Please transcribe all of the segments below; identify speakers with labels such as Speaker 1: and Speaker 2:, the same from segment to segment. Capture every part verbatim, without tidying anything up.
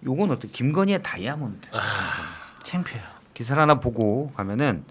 Speaker 1: 요건 어떤 김건희의 다이아몬드.
Speaker 2: 아,
Speaker 3: 창피해요.
Speaker 1: 기사를 하나 보고 가면은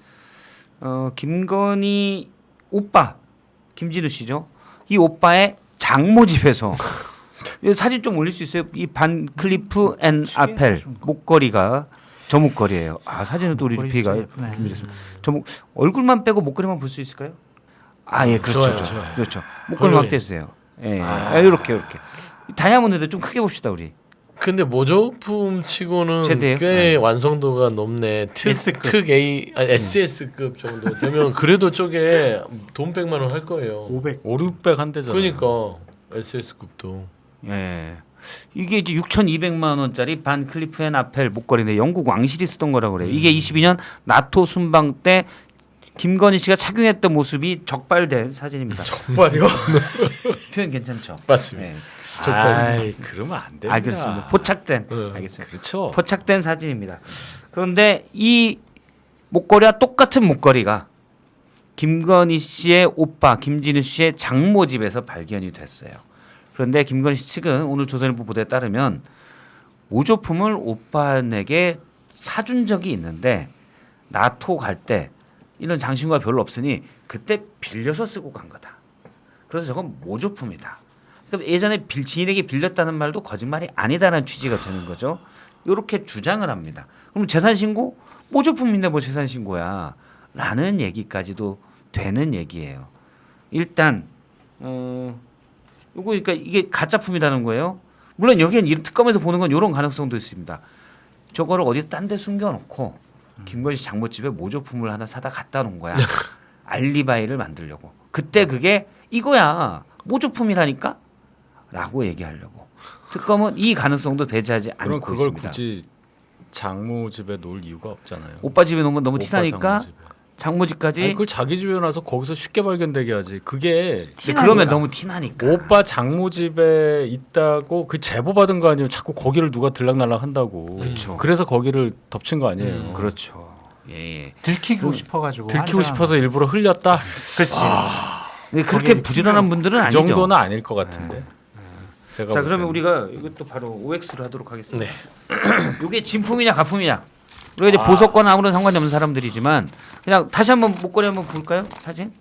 Speaker 1: 어 김건희 오빠 김진우 씨죠. 이 오빠의 장모 집에서 이 사진 좀 올릴 수 있어요? 이 반 클리프 앤 아펠 목걸이가 저 목걸이에요. 아 사진은 또 우리 피가 준비했습니다. 저 목, 얼굴만 빼고 목걸이만 볼 수 있을까요? 아 예 그렇죠.
Speaker 2: 좋아요,
Speaker 1: 그렇죠.
Speaker 2: 좋아요.
Speaker 1: 그렇죠. 목걸이만 떼주세요. 예 아. 이렇게 이렇게 다이아몬드도 좀 크게 봅시다 우리.
Speaker 2: 근데 모조품 치고는
Speaker 1: 최대요?
Speaker 2: 꽤
Speaker 1: 네.
Speaker 2: 완성도가 높네. 특,
Speaker 3: S급.
Speaker 2: 특 A, 아니, 에스에스급 정도 되면 그래도 쪽에 돈 백만 원 할 거예요.
Speaker 3: 오백.
Speaker 4: 오륙백 한 대잖아.
Speaker 2: 그러니까 에스에스급도.
Speaker 1: 예. 이게 이제 육천이백만 원짜리 반 클리프 앤 아펠 목걸이인데 영국 왕실이 쓰던 거라고 그래요. 이게 이십이 년 나토 순방 때 김건희 씨가 착용했던 모습이 적발된 사진입니다.
Speaker 4: 적발이요?
Speaker 1: 표현 괜찮죠?
Speaker 2: 맞습니다.
Speaker 1: 예.
Speaker 4: 아이, 그러면 안 됩니다.
Speaker 1: 알겠습니다. 포착된.
Speaker 2: 네.
Speaker 1: 알겠습니다.
Speaker 4: 그렇죠.
Speaker 1: 포착된 사진입니다. 그런데 이 목걸이와 똑같은 목걸이가 김건희 씨의 오빠 김진우 씨의 장모 집에서 발견이 됐어요. 그런데 김건희 씨 측은 오늘 조선일보 보도에 따르면 모조품을 오빠에게 사준 적이 있는데 나토 갈 때 이런 장신구가 별로 없으니 그때 빌려서 쓰고 간 거다. 그래서 저건 모조품이다. 그럼 예전에 빌, 지인에게 빌렸다는 말도 거짓말이 아니다라는 취지가 되는 거죠. 이렇게 주장을 합니다. 그럼 재산 신고 모조품인데 뭐 재산 신고야라는 얘기까지도 되는 얘기예요. 일단 어 요거 그러니까 이게 가짜품이라는 거예요. 물론 여기엔 이 특검에서 보는 건 이런 가능성도 있습니다. 저거를 어디 딴 데 숨겨놓고 김건희 씨 장모집에 모조품을 하나 사다 갖다 놓은 거야. 알리바이를 만들려고. 그때 그게 이거야 모조품이라니까 라고 얘기하려고. 특검은 이 가능성도 배제하지 않고
Speaker 4: 그럼 그걸
Speaker 1: 있습니다.
Speaker 4: 굳이 장모 집에 놓을 이유가 없잖아요.
Speaker 1: 오빠 집에 놓으면 너무
Speaker 4: 오빠
Speaker 1: 티나니까
Speaker 4: 장모 집에.
Speaker 1: 장모 집까지.
Speaker 4: 아니, 그걸 자기 집에 놔서 거기서 쉽게 발견되게 하지. 그게
Speaker 1: 근데 그러면 너무 티나니까.
Speaker 4: 오빠 장모 집에 있다고 그 제보 받은 거 아니에요. 자꾸 거기를 누가 들락날락 한다고.
Speaker 1: 그쵸.
Speaker 4: 그래서 거기를 덮친 거 아니에요.
Speaker 2: 음,
Speaker 1: 그렇죠. 예, 예.
Speaker 3: 들키고 싶어가지고.
Speaker 4: 들키고
Speaker 3: 환장한
Speaker 4: 싶어서 일부러 흘렸다.
Speaker 3: 그렇지.
Speaker 1: 근데 그렇게
Speaker 3: 거기
Speaker 1: 부지런한 분들은
Speaker 4: 그
Speaker 1: 아니죠.
Speaker 4: 정도는 아닐 것 같은데. 제가
Speaker 1: 자
Speaker 4: 볼
Speaker 1: 그러면
Speaker 4: 때는.
Speaker 1: 우리가 이것도 바로 오엑스로 하도록 하겠습니다.
Speaker 2: 네.
Speaker 1: 이게 진품이냐 가품이냐. 우리가 이제 보석과는 아무런 상관이 없는 사람들이지만 그냥 다시 한번 목걸이 한번 볼까요? 사진.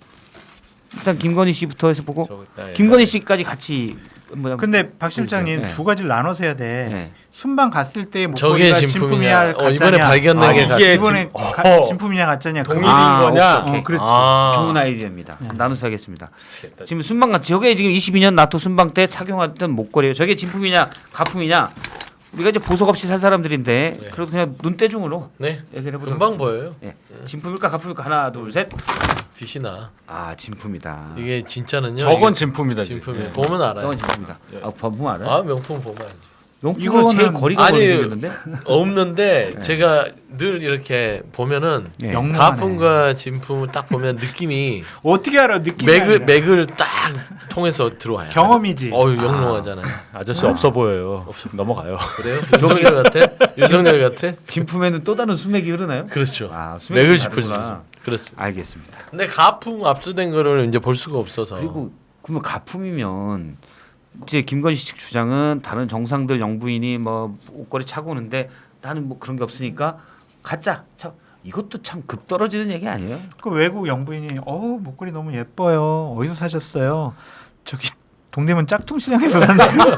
Speaker 1: 일단 김건희 씨부터 해서 보고
Speaker 4: 저 그때
Speaker 1: 김건희 씨까지 같이 뭐
Speaker 3: 근데 박 실장님
Speaker 1: 네.
Speaker 3: 두 가지를 나눠서 해야 돼.
Speaker 1: 네.
Speaker 3: 순방 갔을 때
Speaker 2: 저게
Speaker 3: 목걸이가
Speaker 2: 진품이냐?
Speaker 3: 진품이야,
Speaker 2: 어,
Speaker 3: 가짜냐?
Speaker 2: 이번에 발견된
Speaker 3: 아,
Speaker 2: 게
Speaker 3: 이게
Speaker 4: 가-
Speaker 3: 이번에
Speaker 4: 진-
Speaker 3: 가-
Speaker 4: 어.
Speaker 3: 진품이냐 가짜냐?
Speaker 4: 동일인
Speaker 3: 그거.
Speaker 1: 아,
Speaker 4: 거냐?
Speaker 1: 오케이, 오케이.
Speaker 3: 어, 그렇지.
Speaker 4: 아.
Speaker 1: 좋은 아이디어입니다. 나눠서 하겠습니다.
Speaker 4: 미치겠다.
Speaker 1: 지금 순방 같이 저게 지금 이십이 년 나토 순방 때 착용했던 목걸이에요. 저게 진품이냐 가품이냐. 우리가 이제 보석 없이 살 사람들인데
Speaker 2: 네.
Speaker 1: 그래도 그냥 눈대중으로
Speaker 2: 네.
Speaker 1: 얘기를 해보도록
Speaker 2: 금방 보여요.
Speaker 1: 예. 진품일까 가품일까 하나 둘 셋.
Speaker 2: 빛이 나.
Speaker 1: 아 진품이다.
Speaker 2: 이게 진짜는요.
Speaker 4: 저건
Speaker 2: 이게
Speaker 4: 진품이다.
Speaker 2: 진품이에요.
Speaker 4: 지금.
Speaker 2: 보면 알아요.
Speaker 1: 저건 진품이다. 아 보면 알아요?
Speaker 2: 아 명품 보면 알지.
Speaker 1: 명품은 제일
Speaker 3: 이거는-
Speaker 1: 거리가
Speaker 2: 아니,
Speaker 1: 멀어지는데.
Speaker 2: 없는데
Speaker 1: 네.
Speaker 2: 제가 늘 이렇게 보면은
Speaker 1: 예.
Speaker 3: 영롱하네.
Speaker 2: 가품과 진품을 딱 보면 느낌이
Speaker 3: 어떻게 알아? 느낌이
Speaker 2: 맥을
Speaker 3: 아니라.
Speaker 2: 맥을 딱 통해서 들어와요.
Speaker 3: 경험이지.
Speaker 2: 어유 영롱하잖아요.
Speaker 4: 아저씨 없어 보여요. 넘어가요.
Speaker 2: 그래요? 윤석열 같아? 윤석열 같아?
Speaker 1: 진품에는 또 다른 수맥이 흐르나요?
Speaker 2: 그렇죠.
Speaker 1: 아, 수맥이
Speaker 2: 맥을
Speaker 1: 다르구나.
Speaker 2: 짚어주죠. 그렇습니다.
Speaker 1: 알겠습니다.
Speaker 2: 근데 가품 압수된 거를 이제 볼 수가 없어서.
Speaker 1: 그리고 그러면 가품이면 이제 김건희 씨 측 주장은 다른 정상들 영부인이 뭐 옷걸이 차고 오는데 나는 뭐 그런 게 없으니까 가짜. 참 이것도 참 급 떨어지는 얘기 아니에요?
Speaker 3: 그 외국 영부인이 어우 목걸이 너무 예뻐요. 어디서 사셨어요? 저기 동대문 짝퉁시장에서 샀는데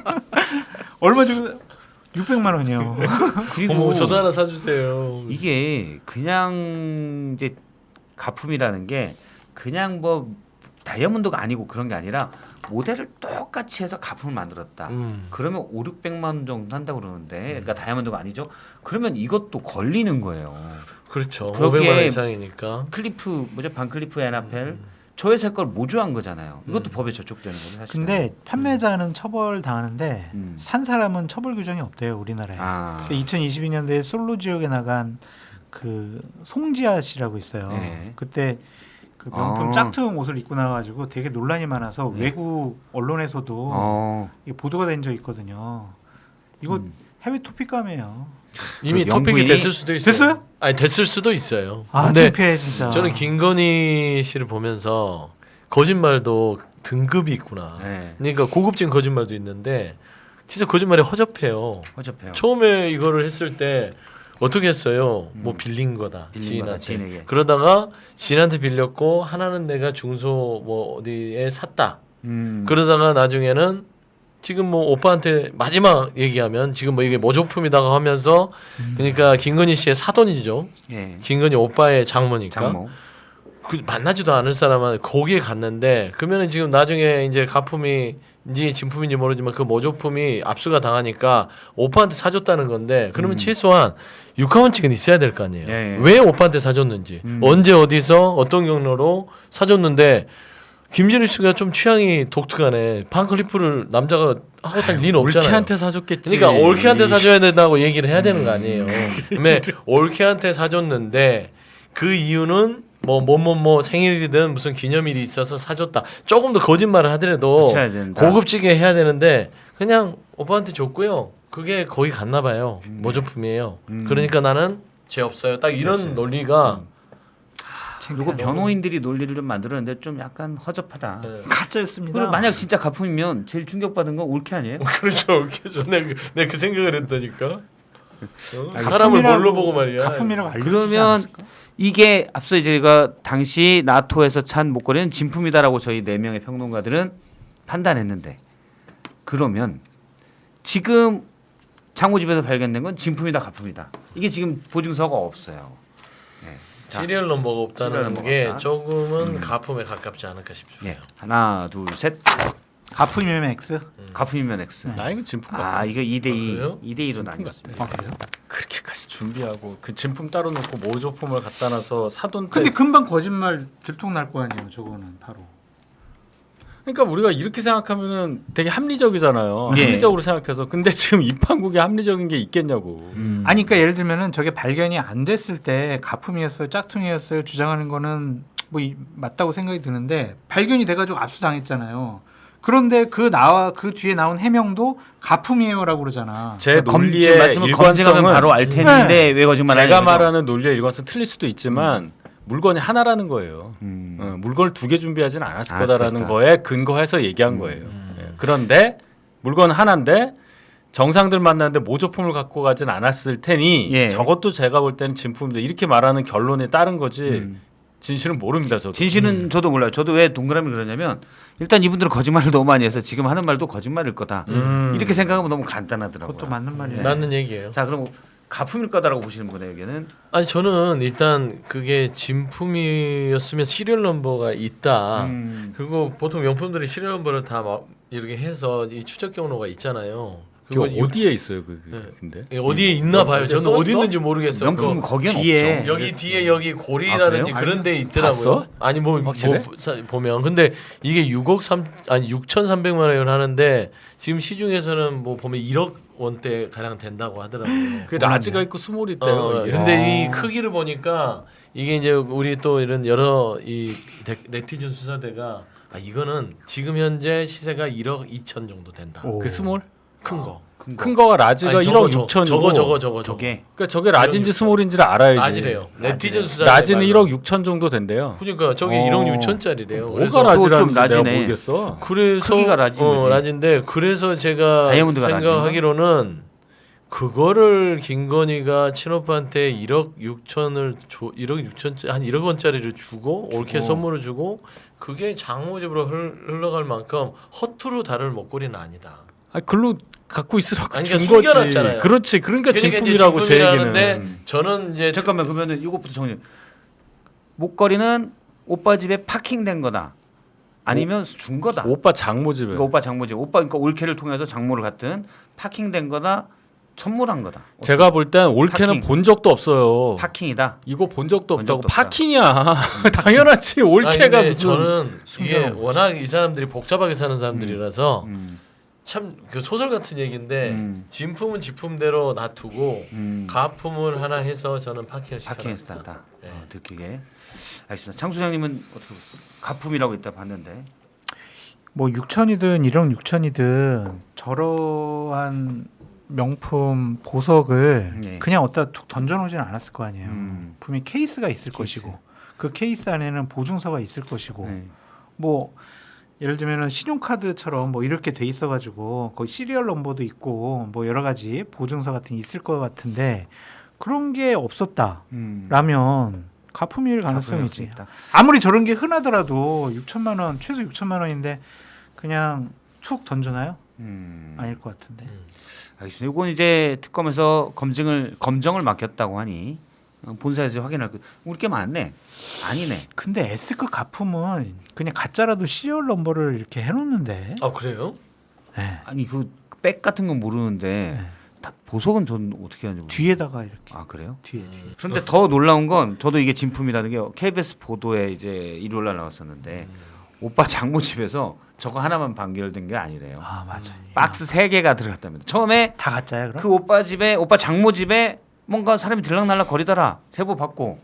Speaker 3: 얼마 주고 육백만 원이요.
Speaker 1: 그리고
Speaker 2: 어머, 저도 하나 사주세요.
Speaker 1: 이게 그냥 이제 가품이라는 게 그냥 뭐 다이아몬드가 아니고 그런 게 아니라 모델을 똑같이 해서 가품을 만들었다.
Speaker 2: 음.
Speaker 1: 그러면 오륙백만 원 정도 한다고 그러는데 그러니까 다이아몬드가 아니죠. 그러면 이것도 걸리는 거예요.
Speaker 2: 그렇죠.
Speaker 1: 그러기에
Speaker 2: 오백만 원 이상이니까.
Speaker 1: 클리프 뭐죠? 반클리프 앤아펠 저 회사 걸 모조한 거잖아요. 이것도 법에 저촉되는 거죠, 사실.
Speaker 3: 근데 판매자는 처벌 당하는데
Speaker 1: 음.
Speaker 3: 산 사람은 처벌 규정이 없대요 우리나라에.
Speaker 1: 아.
Speaker 3: 이천이십이 년도에 솔로 지역에 나간 그 송지아 씨라고 있어요.
Speaker 1: 네.
Speaker 3: 그때 그 명품
Speaker 1: 아.
Speaker 3: 짝퉁 옷을 입고 나와가지고 되게 논란이 많아서
Speaker 1: 네.
Speaker 3: 외국 언론에서도
Speaker 1: 어.
Speaker 3: 이게 보도가 된 적 있거든요. 이거
Speaker 1: 음.
Speaker 3: 해외 토픽감이에요.
Speaker 2: 이미
Speaker 1: 그
Speaker 2: 토픽이
Speaker 1: 영부인이-
Speaker 2: 됐을 수도 있어요.
Speaker 3: 됐어요?
Speaker 2: 아니 됐을 수도 있어요.
Speaker 3: 아
Speaker 2: 근데
Speaker 3: 창피해 진짜.
Speaker 2: 저는 김건희 씨를 보면서 거짓말도 등급이 있구나.
Speaker 1: 네.
Speaker 2: 그러니까 고급진 거짓말도 있는데 진짜 거짓말이 허접해요.
Speaker 1: 허접해요.
Speaker 2: 처음에 이거를 했을 때 어떻게 했어요?
Speaker 1: 음.
Speaker 2: 뭐 빌린 거다
Speaker 1: 빌린 거다,
Speaker 2: 지인한테.
Speaker 1: 지인에게.
Speaker 2: 그러다가 지인한테 빌렸고 하나는 내가 중소 뭐 어디에 샀다.
Speaker 1: 음.
Speaker 2: 그러다가 나중에는 지금 뭐 오빠한테 마지막 얘기하면 지금 뭐 이게 모조품이다가 하면서 그러니까 김건희 씨의 사돈이죠.
Speaker 1: 예.
Speaker 2: 김건희 오빠의 장모니까.
Speaker 1: 장모.
Speaker 2: 그 만나지도 않을 사람은 거기에 갔는데 그러면은 지금 나중에 이제 가품이인지 진품인지 모르지만 그 모조품이 압수가 당하니까 오빠한테 사줬다는 건데 그러면
Speaker 1: 음.
Speaker 2: 최소한 육하원칙은 있어야 될 거 아니에요.
Speaker 1: 예, 예.
Speaker 2: 왜 오빠한테 사줬는지
Speaker 1: 음.
Speaker 2: 언제 어디서 어떤 경로로 사줬는데 김진우 씨가 좀 취향이 독특하네. 반클리프를 남자가 하고 다닐 리는 없잖아요.
Speaker 4: 올케한테 사줬겠지.
Speaker 2: 그러니까 올케한테 사줘야 된다고 얘기를 해야 되는 거 아니에요. 근데 올케한테 사줬는데 그 이유는 뭐 뭐 뭐 뭐 생일이든 무슨 기념일이 있어서 사줬다. 조금 더 거짓말을 하더라도
Speaker 1: 붙여야 된다.
Speaker 2: 고급지게 해야 되는데 그냥 오빠한테 줬고요. 그게 거의 갔나 봐요. 모조품이에요.
Speaker 1: 음.
Speaker 2: 그러니까 나는 죄 없어요. 딱 이런
Speaker 1: 그렇지.
Speaker 2: 논리가
Speaker 1: 이거 변호인들이 논리를 좀 만들었는데 좀 약간 허접하다.
Speaker 2: 네.
Speaker 3: 가짜였습니다.
Speaker 1: 그리고 만약 진짜 가품이면 제일 충격받은 건 올케 아니에요?
Speaker 2: 그렇죠. 올케죠. 내가 그, 내가 그 생각을 했다니까. 어?
Speaker 3: 아니,
Speaker 2: 사람을
Speaker 3: 가품이라고-
Speaker 2: 뭘로 보고 말이야.
Speaker 3: 가품이라고 알려주지
Speaker 1: 그러면
Speaker 3: 않았을까?
Speaker 1: 이게 앞서 제가 당시 나토에서 찬 목걸이는 진품이다라고 저희 네 명의 평론가들은 판단했는데 그러면 지금 장모집에서 발견된 건 진품이다 가품이다. 이게 지금 보증서가 없어요. 네. 자,
Speaker 2: 시리얼 넘버가
Speaker 1: 시리얼
Speaker 2: 없다는
Speaker 1: 넘버가
Speaker 2: 게
Speaker 1: 없다.
Speaker 2: 조금은 가품에 가깝지 않을까 싶어요.
Speaker 1: 예. 하나 둘 셋.
Speaker 3: 가품이면 X.
Speaker 1: 가품이면 X.
Speaker 4: 나 이거 진품 같아.
Speaker 1: 아 이거 이 대 이.
Speaker 2: 아, 그래요?
Speaker 1: 이 대 이로
Speaker 4: 진품
Speaker 1: 나뉘었습니다.
Speaker 3: 아 그래요?
Speaker 4: 그렇게까지 준비하고 그 진품 따로 놓고 모조품을 갖다 놔서 사돈 때.
Speaker 3: 근데 금방 거짓말 들통날 거 아니에요. 저거는 바로.
Speaker 4: 그러니까 우리가 이렇게 생각하면은 되게 합리적이잖아요.
Speaker 1: 예.
Speaker 4: 합리적으로 생각해서. 근데 지금 이 판국에 합리적인 게 있겠냐고.
Speaker 1: 음.
Speaker 3: 아니 그러니까 예를 들면은 저게 발견이 안 됐을 때 가품이었어요, 짝퉁이었어요 주장하는 거는 뭐 이, 맞다고 생각이 드는데 발견이 돼가지고 압수당했잖아요. 그런데 그 나와 그 뒤에 나온 해명도 가품이에요라고 그러잖아.
Speaker 4: 제
Speaker 1: 검-
Speaker 4: 논리의
Speaker 1: 지금 말씀을 검증하면
Speaker 4: 일관성은
Speaker 1: 바로 알 텐데 왜 거짓말
Speaker 4: 제가
Speaker 1: 하냐는 거죠?
Speaker 4: 말하는 논리의 일관성 틀릴 수도 있지만 물건이 하나라는 거예요.
Speaker 1: 음.
Speaker 4: 어, 물건을 두 개 준비하지는 않았을
Speaker 1: 않았을
Speaker 4: 거다라는
Speaker 1: 것이다.
Speaker 4: 거에 근거해서 얘기한 거예요.
Speaker 2: 음.
Speaker 4: 예. 그런데 물건 하나인데 정상들 만났는데 모조품을 갖고 가진 않았을 테니
Speaker 1: 예.
Speaker 4: 저것도 제가 볼 때는 진품입니다. 이렇게 말하는 결론에 따른 거지
Speaker 1: 음.
Speaker 4: 진실은 모릅니다. 저도.
Speaker 1: 진실은 저도 몰라요. 저도 왜 동그라미 그러냐면 일단 이분들은 거짓말을 너무 많이 해서 지금 하는 말도 거짓말일 거다.
Speaker 2: 음.
Speaker 1: 이렇게 생각하면 너무 간단하더라고요.
Speaker 3: 그것도 맞는 말이에요.
Speaker 2: 맞는 얘기예요.
Speaker 1: 자 그럼 가품일 거다라고 보시는 분에게는
Speaker 2: 아니 저는 일단 그게 진품이었으면 시리얼 넘버가 있다.
Speaker 1: 음.
Speaker 2: 그리고 보통 명품들이 시리얼 넘버를 다 막 이렇게 해서 이 추적 경로가 있잖아요.
Speaker 4: 그거
Speaker 2: 그거
Speaker 4: 어디에 있어요, 그, 그
Speaker 2: 네.
Speaker 4: 근데?
Speaker 2: 예, 어디에 있나 봐요. 저는
Speaker 4: 써있어?
Speaker 2: 어디 있는지 모르겠어요.
Speaker 1: 명품
Speaker 2: 그거
Speaker 1: 거기는
Speaker 3: 뒤에
Speaker 1: 없죠.
Speaker 2: 여기 뒤에 여기 고리라든지
Speaker 1: 아, 그래요?
Speaker 2: 그런 데 있더라고요.
Speaker 4: 봤어?
Speaker 2: 아니 뭐, 뭐
Speaker 4: 확실해?
Speaker 2: 사- 보면 근데 이게 육억 삼 아니 육천삼백만 원을 하는데 지금 시중에서는 뭐 보면 일억 원대 가량 된다고 하더라고요.
Speaker 4: 그 라지가 있고 스몰이 있대요.
Speaker 2: 어,
Speaker 4: 이게.
Speaker 2: 근데
Speaker 3: 아.
Speaker 2: 이 크기를 보니까 이게 이제 우리 또 이런 여러 이 데- 네티즌 수사대가 아 이거는 지금 현재 시세가 일억 이천 정도 된다.
Speaker 3: 오.
Speaker 4: 그 스몰?
Speaker 2: 큰 거.
Speaker 1: 큰
Speaker 4: 큰 거가 라지가
Speaker 2: 아니,
Speaker 4: 일억
Speaker 2: 저거,
Speaker 4: 육천이고
Speaker 2: 저거 저거 저거 저거.
Speaker 1: 저게
Speaker 4: 그러니까 저게 라지인지
Speaker 2: 일억
Speaker 4: 스몰인지를 알아야지.
Speaker 2: 라지래요. 네티즌 수사.
Speaker 4: 라지는 일억 육천 정도 된대요.
Speaker 2: 그러니까 저게
Speaker 1: 어.
Speaker 2: 일억 육천짜리래요.
Speaker 4: 뭐가
Speaker 2: 그래서
Speaker 1: 라- 좀
Speaker 4: 라지라는지 내가
Speaker 1: 라지네.
Speaker 4: 모르겠어.
Speaker 2: 그래서
Speaker 1: 크기가 라지인
Speaker 2: 어,
Speaker 1: 거지.
Speaker 2: 라지인데 그래서 제가
Speaker 1: 다이아몬드가
Speaker 2: 생각하기로는 그거를 김건희가 친오빠한테 일억 육천을 줘 일억 육천 한 일억 원짜리를 주고 올케
Speaker 1: 주고.
Speaker 2: 선물을 주고 그게 장모집으로 흘- 흘러갈 만큼 허투루 다룰 목걸이는 아니다.
Speaker 4: 아, 글로 갖고 있으라고
Speaker 2: 아니,
Speaker 4: 준
Speaker 2: 그러니까
Speaker 4: 거지.
Speaker 2: 숨겨놨잖아요.
Speaker 4: 그렇지. 그러니까
Speaker 2: 그러니까 이제
Speaker 4: 진품이라고 제
Speaker 2: 진품이라는데
Speaker 4: 얘기는.
Speaker 2: 저는 이제
Speaker 1: 잠깐만 그러면은 이것부터 정리. 목걸이는 오빠 집에 파킹된 거다. 아니면 준 거다.
Speaker 4: 오빠 장모 집에.
Speaker 1: 그러니까 오빠 장모집. 오빠 그러니까 올케를 통해서 장모를 갔든 파킹된 거다. 선물한 거다.
Speaker 4: 제가 볼 땐 올케는
Speaker 1: 파킹.
Speaker 4: 본 적도 없어요.
Speaker 1: 파킹이다.
Speaker 4: 이거 본 적도
Speaker 1: 본
Speaker 4: 없다고.
Speaker 1: 적도 없다.
Speaker 4: 파킹이야. 당연하지.
Speaker 2: 아니,
Speaker 4: 올케가
Speaker 2: 근데
Speaker 4: 무슨.
Speaker 2: 저는 이게
Speaker 1: 숨겨놓은
Speaker 2: 워낙 이 사람들이 복잡하게 사는 사람들이라서
Speaker 1: 음.
Speaker 2: 참 그 소설 같은 얘기인데
Speaker 1: 음.
Speaker 2: 진품은 진품대로 놔두고
Speaker 1: 음.
Speaker 2: 가품을 하나 해서 저는 파킹을 시켜라.
Speaker 1: 파킹에서 딴다.
Speaker 2: 네.
Speaker 1: 어, 들키게. 알겠습니다. 장 소장님은 어떻게 보세요? 가품이라고 있다 봤는데.
Speaker 3: 뭐 육천이든 일억 육천이든 저러한 명품 보석을
Speaker 1: 예.
Speaker 3: 그냥 어디다 툭 던져놓지는 않았을 거 아니에요.
Speaker 1: 음.
Speaker 3: 분명히 케이스가 있을
Speaker 1: 케이스.
Speaker 3: 것이고 그 케이스 안에는 보증서가 있을 것이고
Speaker 1: 네.
Speaker 3: 뭐 예를 들면은 신용카드처럼 뭐 이렇게 돼 있어가지고 거기 시리얼 넘버도 있고 뭐 여러 가지 보증서 같은 게 있을 것 같은데 그런 게 없었다라면
Speaker 1: 음.
Speaker 3: 가품일 가능성이 있지.
Speaker 1: 있다.
Speaker 3: 아무리 저런 게 흔하더라도 육천만 원 최소 육천만 원인데 그냥 툭 던져놔요?
Speaker 1: 음.
Speaker 3: 아닐 것 같은데.
Speaker 1: 알겠습니다. 이건 이제 특검에서 검증을 검정을 맡겼다고 하니 어, 본사에서 확인할 거. 우리 게 많네. 아니네.
Speaker 3: 근데 S급 가품은 그냥 가짜라도 시리얼 넘버를 이렇게 해놓는데.
Speaker 2: 아 그래요?
Speaker 3: 네.
Speaker 1: 아니 그 백 같은 건 모르는데
Speaker 3: 네.
Speaker 1: 다 보석은 전 어떻게 하는지 모르겠어요.
Speaker 3: 뒤에다가 이렇게.
Speaker 1: 아 그래요?
Speaker 3: 뒤에 뒤에.
Speaker 1: 그런데 더 놀라운 건 저도 이게 진품이라는 게 케이비에스 보도에 이제 일요일 날 나왔었는데 오빠 장모 집에서 저거 하나만 판결된 게 아니래요.
Speaker 3: 아 맞아.
Speaker 1: 박스 세 개가 들어갔답니다. 처음에
Speaker 3: 다 가짜야 그럼?
Speaker 1: 그 오빠 집에 오빠 장모 집에 뭔가 사람이 들락날락 거리더라 제보 받고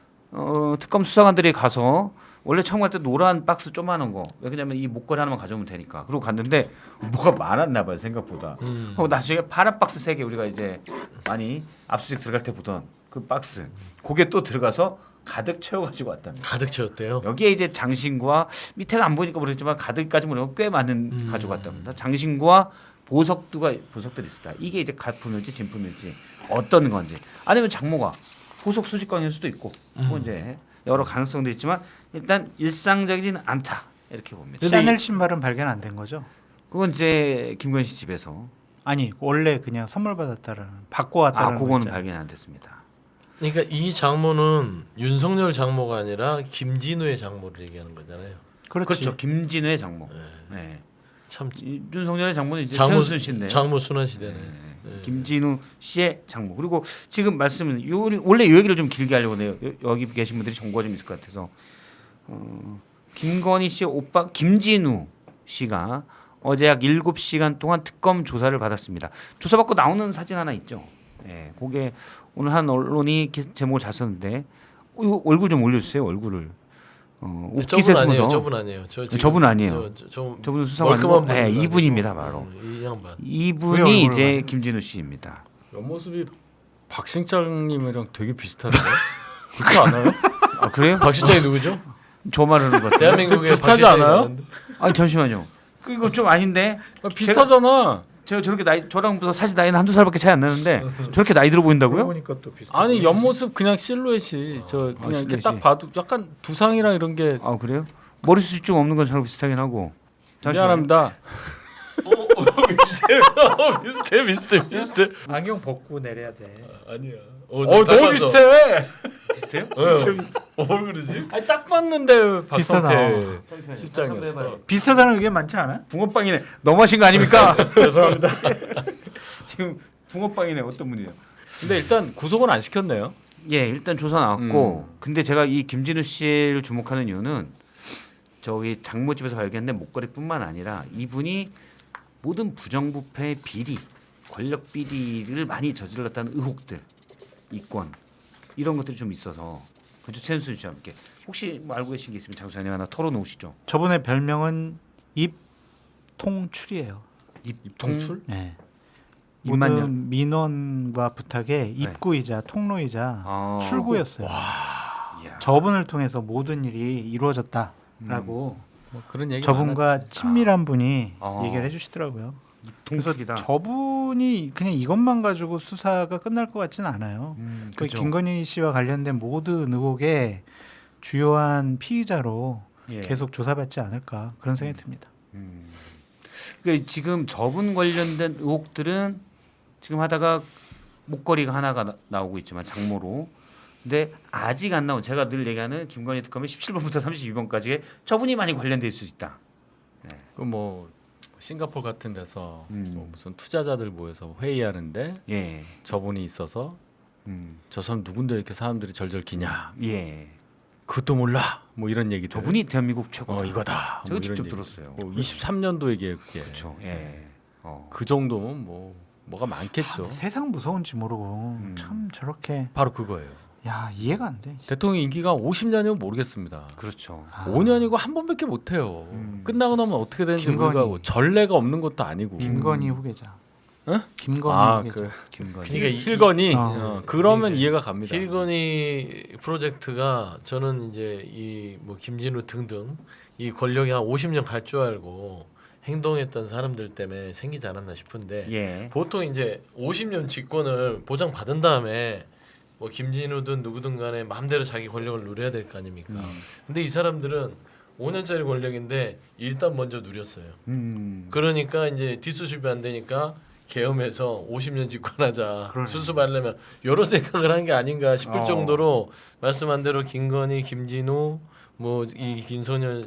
Speaker 1: 어, 특검 수사관들이 가서 원래 처음 갈 때 노란 박스 조그마한 거 왜냐면 이 목걸이 하나만 가져오면 되니까 그리고 갔는데 뭐가 많았나 봐요 생각보다.
Speaker 2: 음.
Speaker 1: 어, 나중에 파란 박스 세 개 우리가 이제 많이 압수수색 들어갈 때 보던 그 박스 그게 또 들어가서 가득 채워가지고 왔답니다.
Speaker 2: 가득 채웠대요.
Speaker 1: 여기에 이제 장신구와 밑에가 안 보니까 모르겠지만 가득까지 모르면 꽤 많은
Speaker 2: 음.
Speaker 1: 가져갔답니다. 장신구와 보석두가 보석들이 있었다. 이게 이제 가품일지 진품일지 어떤 건지 아니면 장모가 보석 수집광일 수도 있고 뭐
Speaker 2: 음.
Speaker 1: 이제 여러 가능성도 있지만 일단 일상적이지는 않다 이렇게 봅니다.
Speaker 3: 샤넬 신발은 발견 안 된 거죠?
Speaker 1: 그건 이제 김건희 씨 집에서
Speaker 3: 아니 원래 그냥 선물 받았다라는 받고 왔다는
Speaker 1: 아 그거는 발견 안 됐습니다.
Speaker 2: 그러니까 이 장모는 윤석열 장모가 아니라 김진우의 장모를 얘기하는 거잖아요.
Speaker 3: 그렇지.
Speaker 1: 그렇죠. 김진우의 장모.
Speaker 2: 네.
Speaker 1: 네.
Speaker 2: 참
Speaker 1: 이- 윤석열의 장모는 이제
Speaker 2: 장모
Speaker 1: 최은순 씨인데.
Speaker 2: 장모 순환 시대네.
Speaker 1: 네.
Speaker 2: 네.
Speaker 1: 김진우 씨의 장모. 그리고 지금 말씀은 요 원래 이 얘기를 좀 길게 하려고 해요. 여- 여기 계신 분들이 정보가 좀 있을 것 같아서 어, 김건희 씨의 오빠 김진우 씨가 어제 약 일곱 시간 동안 특검 조사를 받았습니다. 조사받고 나오는 사진 하나 있죠. 예, 그게 오늘 한 언론이 기- 제목을 잘 썼는데 어, 이거 얼굴 좀 올려주세요. 얼굴을. 어,
Speaker 2: 네,
Speaker 1: 옷깃에
Speaker 2: 저분 아니에요.
Speaker 1: 숨어서.
Speaker 2: 저분 아니에요. 저 지금
Speaker 1: 저분 아니에요.
Speaker 2: 저, 저, 저,
Speaker 1: 저분은 수사관이고 네, 이분입니다 바로.
Speaker 2: 이 양반.
Speaker 3: 왜
Speaker 1: 이분이
Speaker 3: 얼굴을
Speaker 1: 이제
Speaker 3: 봐요?
Speaker 1: 김진우 씨입니다.
Speaker 4: 옆모습이 박신장님이랑 되게 비슷한데 그렇지 않아요?
Speaker 1: 아 그래요?
Speaker 2: 박 실장이 누구죠?
Speaker 1: 저 말하는 것 같아요.
Speaker 2: 대한민국에
Speaker 4: 비슷하지
Speaker 2: 박 실장이
Speaker 4: 않아요?
Speaker 2: 많은데.
Speaker 1: 아니 잠시만요. 그 이거 좀 아닌데.
Speaker 4: 아, 비슷하잖아.
Speaker 1: 제가 저렇게 나이 저랑 무슨 사실 나이는 한두 살밖에 차이 안 나는데 저렇게 나이 들어 보인다고요?
Speaker 3: 보니까 또 비슷해.
Speaker 4: 아니 옆모습 그냥 실루엣이 저
Speaker 1: 아,
Speaker 4: 그냥 이렇게
Speaker 1: 실루엣이.
Speaker 4: 딱 봐도 약간 두상이랑 이런 게
Speaker 1: 아 그래요? 머리숱이 좀 없는 건 저랑 비슷하긴 하고. 잠시만요.
Speaker 4: 미안합니다.
Speaker 2: 어, 비슷해 비슷해 비슷해.
Speaker 3: 안경 벗고 내려야 돼.
Speaker 2: 아니야.
Speaker 4: 어 너무
Speaker 2: 닮았어.
Speaker 4: 비슷해.
Speaker 1: 비슷해요?
Speaker 2: 진짜 비슷해. 어, 왜 그러지?
Speaker 4: 아니 딱 봤는데
Speaker 3: 비슷하다.
Speaker 4: 박성태 실장이었어.
Speaker 3: 비슷하다는 의견 많지 않아?
Speaker 1: 붕어빵이네. 너무하신 거 아닙니까?
Speaker 4: 죄송합니다.
Speaker 1: 지금 붕어빵이네. 어떤 분이에요?
Speaker 4: 근데 일단 구속은 안 시켰네요.
Speaker 1: 예, 일단 조사 나왔고. 근데 제가 이 김진우 씨를 주목하는 이유는 저기 장모 집에서 발견된 목걸이뿐만 아니라 이분이 모든 부정부패 비리, 권력 비리를 많이 저질렀다는 의혹들, 이권 이런 것들이 좀 있어서 그죠 최은순 씨와 함께 혹시 뭐 알고 계신 게 있으면 장수님 하나 털어놓으시죠.
Speaker 3: 저분의 별명은 입통출이에요.
Speaker 4: 입통출?
Speaker 3: 네.
Speaker 1: 입만요.
Speaker 3: 모든 민원과 부탁의 입구이자 통로이자
Speaker 1: 아.
Speaker 3: 출구였어요.
Speaker 1: 이야.
Speaker 3: 저분을 통해서 모든 일이 이루어졌다라고
Speaker 4: 뭐 그런 얘기
Speaker 3: 저분과
Speaker 4: 많았지.
Speaker 3: 친밀한 분이
Speaker 1: 아.
Speaker 3: 얘기를 해주시더라고요. 그래서
Speaker 1: 통출이다.
Speaker 3: 저분이 그냥 이것만 가지고 수사가 끝날 것 같지는 않아요.
Speaker 1: 음,
Speaker 3: 그
Speaker 1: 그죠.
Speaker 3: 김건희 씨와 관련된 모든 의혹의 주요한 피의자로
Speaker 1: 예.
Speaker 3: 계속 조사받지 않을까 그런 생각이 듭니다.
Speaker 1: 음. 그러니까 지금 저분 관련된 의혹들은 지금 하다가 목걸이가 하나가 나, 나오고 있지만 장모로. 근데 아직 안 나온 제가 늘 얘기하는 김건희 특검의 십칠 번부터 삼십이 번까지의 저분이 많이 관련돼 있을 수 있다.
Speaker 4: 그뭐 싱가포르 같은 데서
Speaker 1: 음.
Speaker 4: 뭐 무슨 투자자들 모여서 회의하는데
Speaker 1: 예.
Speaker 4: 저분이 있어서
Speaker 1: 음.
Speaker 4: 저 사람 누군데 이렇게 사람들이 절절 기냐?
Speaker 1: 예.
Speaker 4: 그것도 몰라. 뭐 이런 얘기들.
Speaker 1: 저분이 대한민국 최고.
Speaker 4: 어 이거다.
Speaker 1: 제가
Speaker 4: 뭐
Speaker 1: 직접
Speaker 4: 이런 얘기.
Speaker 1: 들었어요.
Speaker 4: 뭐 이십삼 년도 얘기했게.
Speaker 1: 그렇죠. 예. 어.
Speaker 4: 그 정도면 뭐 뭐가 많겠죠.
Speaker 3: 아, 세상 무서운지 모르고
Speaker 1: 음.
Speaker 3: 참 저렇게
Speaker 4: 바로 그거예요.
Speaker 3: 야 이해가 안 돼.
Speaker 4: 대통령 임기가 오십 년이면 모르겠습니다.
Speaker 1: 그렇죠.
Speaker 3: 아.
Speaker 4: 오 년이고 한 번밖에 못 해요.
Speaker 1: 음.
Speaker 4: 끝나고 나면 어떻게 되는지
Speaker 3: 김건희.
Speaker 4: 모르고 전례가 없는 것도 아니고.
Speaker 3: 김건희 후계자. 김건희.
Speaker 4: 아,
Speaker 3: 얘기죠.
Speaker 4: 그
Speaker 1: 김건희.
Speaker 2: 그러니까 이-
Speaker 4: 힐건이
Speaker 3: 어.
Speaker 4: 어, 그러면
Speaker 2: 이-
Speaker 4: 이해가 갑니다.
Speaker 2: 힐건이 프로젝트가 저는 이제 이 뭐 김진우 등등 이 권력이 한 오십 년 갈 줄 알고 행동했던 사람들 때문에 생기지 않았나 싶은데
Speaker 1: 예.
Speaker 2: 보통 이제 오십 년 직권을 보장 받은 다음에 뭐 김진우든 누구든 간에 마음대로 자기 권력을 누려야 될 거 아닙니까?
Speaker 1: 음.
Speaker 2: 근데 이 사람들은 오 년짜리 권력인데 일단 먼저 누렸어요.
Speaker 1: 음.
Speaker 2: 그러니까 이제 뒷수습이 안 되니까 계엄해서 오십 년 집권하자
Speaker 3: 그러네.
Speaker 2: 수습하려면 여러 생각을 한 게 아닌가 싶을
Speaker 1: 어.
Speaker 2: 정도로 말씀한 대로 김건희, 김진우, 뭐 이 김선열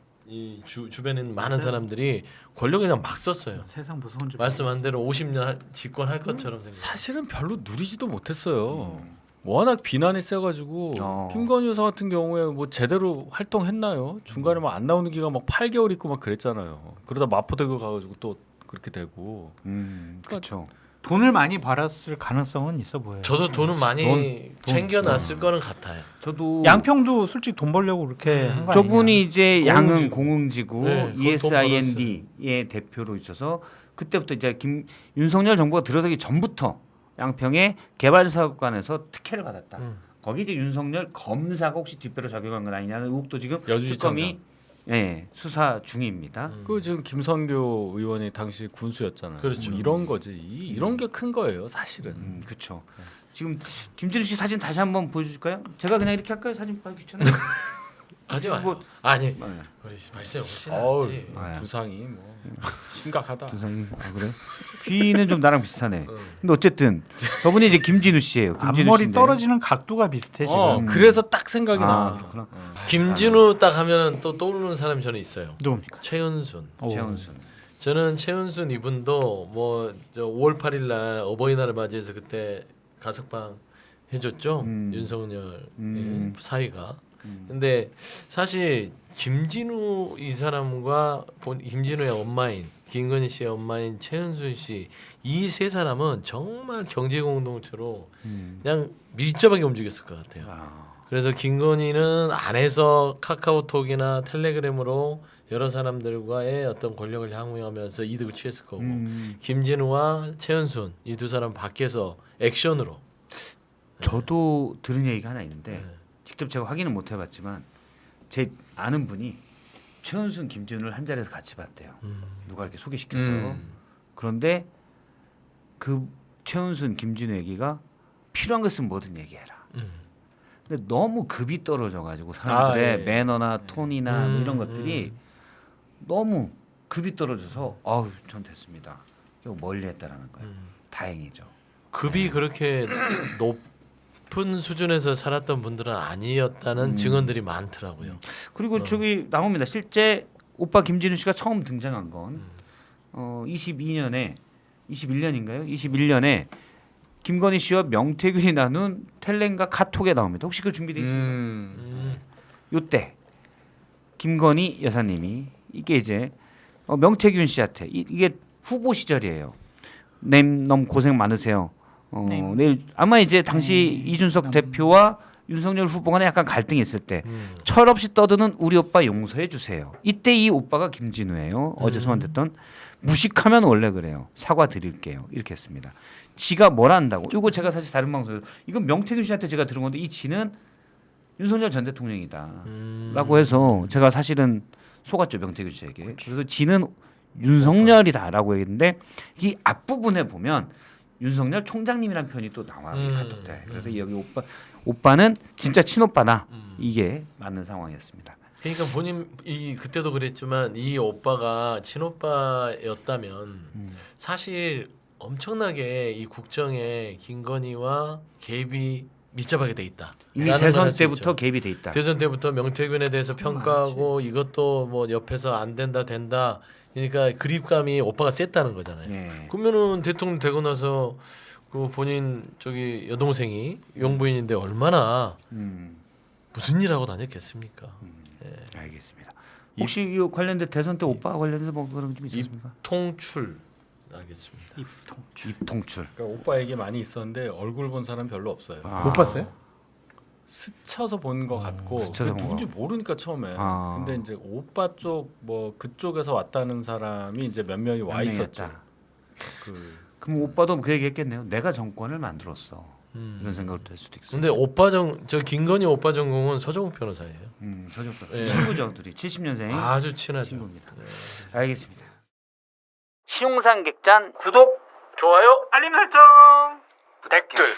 Speaker 2: 이 주, 주변에 있는 많은 사람들이 권력을 그냥 막 썼어요.
Speaker 3: 세상 무서운 줄
Speaker 2: 말씀한 대로 오십 년 할- 집권할 것처럼 생각.
Speaker 4: 사실은 별로 누리지도 못했어요. 워낙 비난이 세가지고
Speaker 1: 어.
Speaker 4: 김건희 여사 같은 경우에 뭐 제대로 활동했나요? 중간에 막 안 나오는 기간 막 팔 개월 있고 막 그랬잖아요. 그러다 마포대교 가가지고 또 그렇게 되고.
Speaker 1: 음. 그렇죠.
Speaker 3: 돈을 많이 벌었을 가능성은 있어 보여요.
Speaker 2: 저도 돈은 많이
Speaker 1: 돈,
Speaker 2: 챙겨놨을 거는 같아요.
Speaker 1: 저도
Speaker 3: 양평도 솔직히 돈 벌려고 그렇게 한 거
Speaker 1: 저분이
Speaker 3: 아니냐.
Speaker 1: 이제 양흥
Speaker 2: 공흥지구.
Speaker 1: 공흥지구
Speaker 2: 네, 그건 돈
Speaker 1: 이에스아이엔디의 대표로 있어서 그때부터 이제 김 윤석열 정부가 들어서기 전부터 양평의 개발사업관에서 특혜를 받았다.
Speaker 2: 음.
Speaker 1: 거기 이제 윤석열 검사가 혹시 뒷배로 작용한 건 아니냐는 의혹도 지금
Speaker 4: 여주지청장.
Speaker 1: 특검이 예, 수사 중입니다.
Speaker 2: 음.
Speaker 4: 그 지금 김선교 의원이 당시 군수였잖아요.
Speaker 2: 그렇죠.
Speaker 4: 뭐 이런 거지. 이, 이런 게 큰 거예요, 사실은.
Speaker 1: 음, 그렇죠. 지금 김진우 씨 사진 다시 한번 보여줄까요? 제가 그냥 이렇게 할까요? 사진 보기 귀찮아요.
Speaker 2: 하지 마요.
Speaker 1: 뭐-
Speaker 2: 아니
Speaker 1: 네.
Speaker 2: 우리 말씀 훨씬
Speaker 4: 어우,
Speaker 2: 낫지.
Speaker 1: 네.
Speaker 4: 두상이 뭐 심각하다.
Speaker 1: 두상이 아 그래? 귀는 좀 나랑 비슷하네.
Speaker 2: 응.
Speaker 1: 근데 어쨌든 저분이 이제 김진우 씨예요. 김진우
Speaker 3: 앞머리
Speaker 1: 씨인데.
Speaker 3: 떨어지는 각도가 비슷해 지금.
Speaker 4: 어,
Speaker 1: 음.
Speaker 4: 그래서 딱 생각이
Speaker 1: 아,
Speaker 4: 나.
Speaker 1: 그렇구나.
Speaker 4: 어.
Speaker 2: 김진우 딱 하면은 또 떠오르는 사람이 저는 있어요.
Speaker 3: 누굽니까?
Speaker 2: 최은순.
Speaker 3: 오.
Speaker 1: 최은순.
Speaker 2: 저는 최은순 이분도 뭐저 오월 팔일 날 어버이날을 맞이해서 그때 가석방 해줬죠.
Speaker 1: 음.
Speaker 2: 윤석열
Speaker 1: 음.
Speaker 2: 예, 사위가.
Speaker 1: 음.
Speaker 2: 근데 사실 김진우 이 사람과 본 김진우의 엄마인 김건희 씨의 엄마인 최은순 씨 이 세 사람은 정말 경제 공동체로
Speaker 1: 음.
Speaker 2: 그냥 밀접하게 움직였을 것 같아요.
Speaker 1: 아.
Speaker 2: 그래서 김건희는 안에서 카카오톡이나 텔레그램으로 여러 사람들과의 어떤 권력을 향유하면서 이득을 취했을 거고
Speaker 1: 음.
Speaker 2: 김진우와 최은순 이 두 사람 밖에서 액션으로
Speaker 1: 저도 들은 얘기가 하나 있는데
Speaker 2: 네.
Speaker 1: 직접 제가 확인은 못 해봤지만 제 아는 분이 최은순, 김진우를 한 자리에서 같이 봤대요.
Speaker 2: 음.
Speaker 1: 누가 이렇게 소개시켜서.
Speaker 4: 음.
Speaker 1: 그런데 그 최은순, 김진우 얘기가 필요한 거 있으면 뭐든 얘기해라.
Speaker 2: 음.
Speaker 1: 근데 너무 급이 떨어져가지고 사람들의
Speaker 4: 아, 예.
Speaker 1: 매너나 톤이나 뭐
Speaker 2: 음,
Speaker 1: 이런 것들이 너무 급이 떨어져서 아우 전 됐습니다. 이거 멀리했다라는 거예요.
Speaker 2: 음.
Speaker 1: 다행이죠.
Speaker 2: 급이 그렇게 높은 수준에서 살았던 분들은 아니었다는
Speaker 1: 음.
Speaker 2: 증언들이 많더라고요.
Speaker 1: 그리고
Speaker 2: 어.
Speaker 1: 저기 나옵니다. 실제 오빠 김진우 씨가 처음 등장한 건
Speaker 2: 음.
Speaker 1: 어, 이십이 년에 이십일 년인가요? 이십일 년에 김건희 씨와 명태균이 나눈 텔레인가 카톡에 나옵니다. 혹시 그 준비돼 있습니까?
Speaker 4: 음.
Speaker 2: 음.
Speaker 1: 요때 김건희 여사님이 이게 이제 어, 명태균 씨한테 이, 이게 후보 시절이에요. 님 너무 고생 많으세요. 어,
Speaker 3: 님.
Speaker 1: 내일 아마 이제 당시
Speaker 3: 음,
Speaker 1: 이준석
Speaker 3: 남-
Speaker 1: 대표와 윤석열 후보 간에 약간 갈등이 있을 때
Speaker 2: 음.
Speaker 1: 철없이 떠드는 우리 오빠 용서해 주세요. 이때 이 오빠가 김진우예요. 어제
Speaker 2: 음.
Speaker 1: 소환됐던 무식하면 원래 그래요. 사과 드릴게요. 이렇게 했습니다. 지가 뭘 안다고? 이거 제가 사실 다른 방송에서 이건 명태균 씨한테 제가 들은 건데 이 지는 윤석열 전 대통령이다.
Speaker 2: 음.
Speaker 1: 라고 해서 제가 사실은 속았죠. 명태균 씨에게. 그래서 지는 윤석열이다라고 얘기했는데 이 앞부분에 보면 윤석열 총장님이란 표현이 또 나와요. 이
Speaker 2: 음.
Speaker 1: 카톡 때. 그래서 여기 오빠 오빠는 진짜 친오빠다.
Speaker 2: 음.
Speaker 1: 이게 맞는 상황이었습니다.
Speaker 2: 그러니까 본인 이 그때도 그랬지만 이 오빠가 친오빠였다면
Speaker 1: 음.
Speaker 2: 사실 엄청나게 이 국정에 김건희와 개입이 밀접하게 돼 있다.
Speaker 1: 이미
Speaker 2: 라는 걸
Speaker 1: 대선
Speaker 2: 할수
Speaker 1: 때부터
Speaker 2: 있죠.
Speaker 1: 개입이 돼 있다.
Speaker 2: 대선 때부터 명태균에 대해서 평가하고 이것도 뭐 옆에서 안 된다 된다. 그러니까 그립감이 오빠가 셌다는 거잖아요.
Speaker 1: 예.
Speaker 2: 그러면은 대통령 되고 나서 그 본인 저기 여동생이 용부인인데 얼마나
Speaker 1: 음.
Speaker 2: 무슨 일하고 다녔겠습니까? 예.
Speaker 1: 알겠습니다. 혹시 이 관련된 대선 때 오빠 관련해서 뭐 그런 좀 있었습니까?
Speaker 2: 통출 알겠습니다.
Speaker 3: 입통출.
Speaker 1: 입통출.
Speaker 4: 그러니까 오빠 얘기 많이 있었는데 얼굴 본 사람 별로 없어요.
Speaker 1: 아.
Speaker 3: 못 봤어요?
Speaker 4: 스쳐서 본 것 같고
Speaker 1: 스쳐서
Speaker 4: 그
Speaker 1: 본
Speaker 4: 누군지 모르니까 처음에.
Speaker 1: 아.
Speaker 4: 근데 이제 오빠 쪽 뭐 그쪽에서 왔다는 사람이 이제 몇 명이 와
Speaker 1: 몇
Speaker 4: 있었죠.
Speaker 1: 명이었다.
Speaker 4: 그
Speaker 1: 그럼 오빠도 그 얘기했겠네요. 내가 정권을 만들었어.
Speaker 2: 음.
Speaker 1: 이런 생각을 들 수도 있어요.
Speaker 2: 근데 오빠 정 저 김건희 오빠 전공은 서정욱 변호사예요.
Speaker 1: 음, 서정권
Speaker 2: 예.
Speaker 1: 친구죠, 둘이 칠십 년생
Speaker 2: 아주 친하죠.
Speaker 1: 친구입니다.
Speaker 2: 네.
Speaker 1: 알겠습니다. 시용상 객잔 구독,
Speaker 2: 좋아요.
Speaker 3: 알림 설정.
Speaker 1: 부탁드려요.